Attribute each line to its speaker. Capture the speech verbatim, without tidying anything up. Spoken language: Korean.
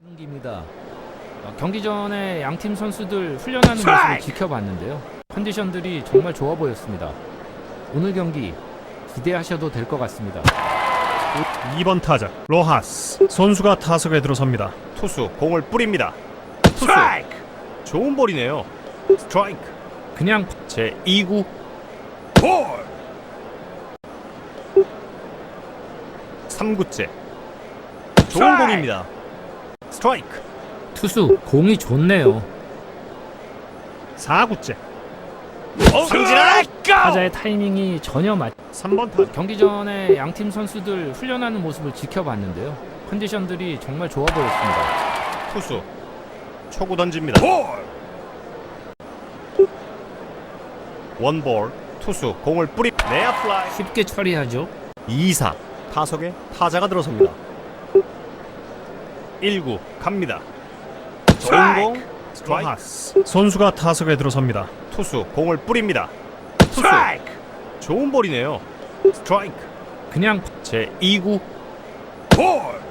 Speaker 1: 경기입니다. 어, 경기 전에 양팀 선수들 훈련하는 모습을 지켜봤는데요. 컨디션들이 정말 좋아 보였습니다. 오늘 경기 기대하셔도 될 것 같습니다.
Speaker 2: 이 번 타자 로하스 선수가 타석에 들어섭니다.
Speaker 3: 투수 공을 뿌립니다. 투수 좋은 볼이네요. 스트라이크.
Speaker 1: 그냥
Speaker 3: 제이 구 볼. 삼 구째 좋은 공입니다. 스트라이크.
Speaker 1: 투수 공이 좋네요.
Speaker 2: 사 구째
Speaker 3: 삼진아.
Speaker 1: 타자의 타이밍이 전혀 맞.
Speaker 2: 삼 번 타자
Speaker 1: 경기 전에 양팀 선수들 훈련하는 모습을 지켜봤는데요. 컨디션들이 정말 좋아 보였습니다.
Speaker 3: 투수 초구 던집니다. 원볼. 투수 공을 뿌리 내야 플라이.
Speaker 1: 쉽게 처리하죠.
Speaker 3: 이 사 타석에 타자가 들어섭니다. 일 구 갑니다. 좋은 공. 스트라이크.
Speaker 2: 로하스 선수가 타석에 들어섭니다.
Speaker 3: 투수 공을 뿌립니다. 투수 좋은 볼이네요. 스트라이크.
Speaker 1: 그냥
Speaker 3: 제이 구 볼.